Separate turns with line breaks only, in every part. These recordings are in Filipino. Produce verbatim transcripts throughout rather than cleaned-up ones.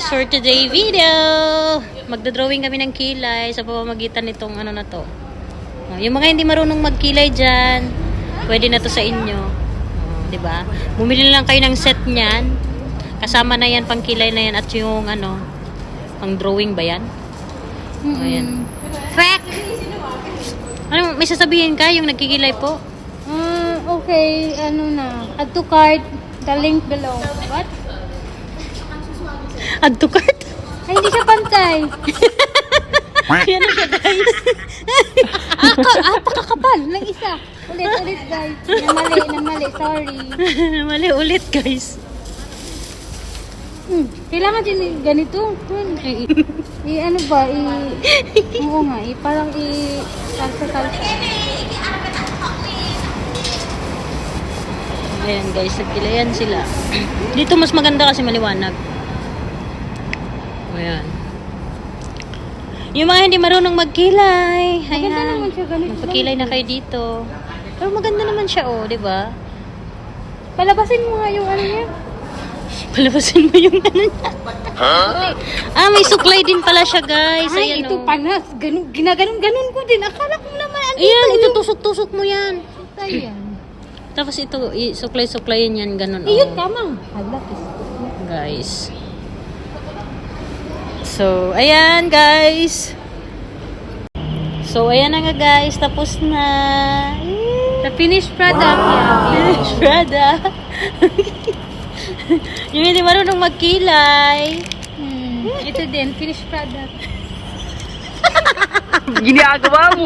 for today video. Magdodrawing kami ng kilay sa pamamagitan nitong ano na to. Oh, yung mga hindi marunong magkilay dyan, pwede na to sa inyo. Oh, diba? Bumili lang kayo ng set niyan. Kasama na yan, pang kilay na yan at yung ano, pang drawing ba yan?
Mm-hmm.
Oh, yan. Fact! Ano, may sasabihin ka yung nagkikilay po?
Uh, okay, ano na. Add to cart, the link below. What?
Add to cart?
Ay, hindi siya pantay.
Yan na siya, guys.
ah, ka, ah, pakakapal ng isa. Ulit, ulit, guys. Namali, namali, sorry.
Mali ulit, guys.
Hmm, kailangan din ganito. Hmm. I, i, ano ba, i, oo nga, i, parang i, salsa-salsa.
Ayan, guys, nagkilayan sila. Dito mas maganda kasi maliwanag. Ayan. Yung mga hindi marunong magkilay.
Maganda
Ayan.
naman siya, ganito.
Magpakilay na kayo dito. Pero maganda naman siya, oh, di ba?
Palabasin mo nga yung ano niya.
Palabasin mo yung ano niya. Huh? Ah, may suklay din pala siya, guys.
Ay,
Ayan,
ito
oh.
panas. Ganun, ginaganon-ganon ko din. Akala ko naman. andito
Ayan,
yung-
itutusok-tusok mo yan.
Ayan.
Tapos ito, suklay-suklayin yan, ganun.
Iyot
oh.
kamang. Halak.
Guys. So, ayan guys. So, ayan na nga guys. Tapos na.
The finished product.
Wow.
Yeah.
Finished product. Yung hindi marunong magkilay.
Hmm. Ito din, finished product.
Ginagawa mo.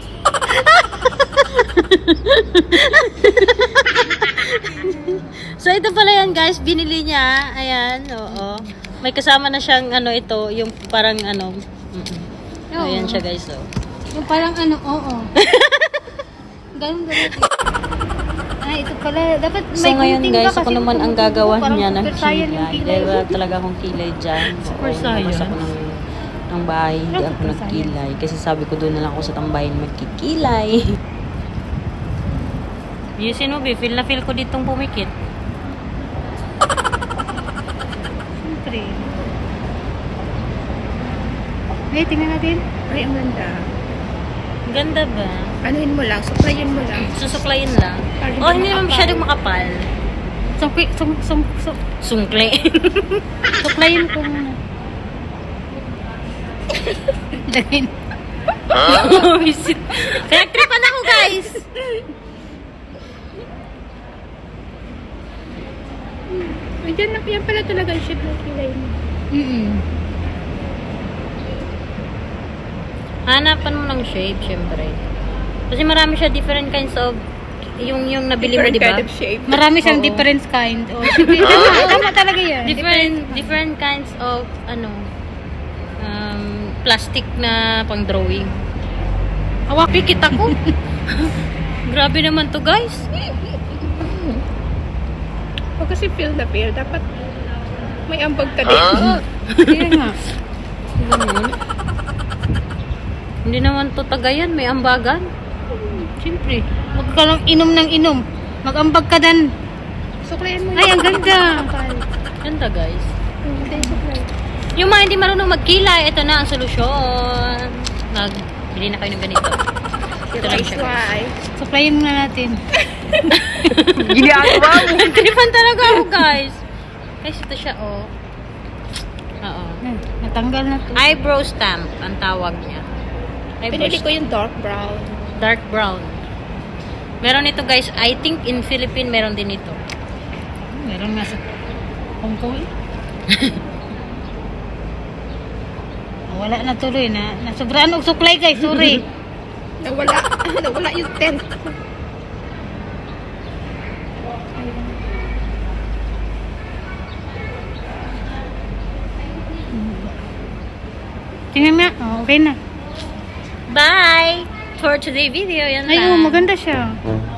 So, ito pala yan guys. Binili niya. Ayan, oo. May kasama na siyang ano ito. Yung parang ano. Mm-mm.
Oo.
Ayan siya guys. Oh.
Yung parang ano, oo. Ganun, ganun. Ay, ito pala. Dapat
So
may
ngayon
gunting
guys,
ka
ako
kasi
naman ang
tumutubo,
gagawa
parang
niya ng
super saiyan yung
kilay.
kilay.
Dahil wala talaga akong kilay dyan.
Super
Oo,
saiyan.
lumabas ako ng, ng bahay, hindi
Ano
ako
super
nagkilay. Kasi sabi ko doon na lang ako sa tambahin magkikilay. Yusin mo, feel na feel ko ditong pumikit.
Siyempre. Hey, tingnan natin.
Ay, ang ganda.
Ganda ba?
Anuhin mo lang, suklayin mo lang.
Susuklayin lang.
Parang
Oh, hindi naman
makapal.
masyadong makapal.
Sungkli, sung, sung, sung,
Sungkli.
suklayin ko muna. Lagin.
Visit. Kaya tripan ako guys.
Ay, yan, yan pala talaga yung shape ng kilay mo.
Mm-mm.
Hanapan mo ng shape, syempre. Kasi marami siya different kinds of yung yung nabili mo,
Different
di ba?
kind of shape.
Marami siyang
Oo.
different kind. Oh, sige, tama, tama talaga yan.
Different different kinds of ano um plastic na pang drawing. Awak pikit ako. Grabe naman to, guys.
Pag kasi feel na feel, dapat may ambag ka din.
Kaya nga.
Ganun. Hindi naman to tagayan, may ambagan.
Siyempre. Huwag ka lang inom ng inom. Mag-ambag ka dan.
Suklayin mo
Ay, ang ganda.
Ganda, guys.
Hindi, suklay.
Yung mga hindi marunong magkilay, ito na ang solusyon. Nagbili na kayo ng ganito. Ito lang siya, guys.
Why?
Suklayin muna natin.
Ginagawa mo.
Tripan talaga ako, guys. Guys, ito siya, oh. Oo.
Hmm, natanggal na to.
Eyebrow stamp ang tawag niya. Eyebrow
Pinili ko yung dark brown.
dark brown. Meron ito, guys. I think in Philippines meron din ito.
Meron nga sa Hong Kong eh. Wala na tuloy na. Nasobraan og suklay guys, sorry.
Nawala. Nawala yung tent.
Tingnan nga. Oh, okay na.
Bye! For today video, yan
Ay,
lang.
oh, maganda siya.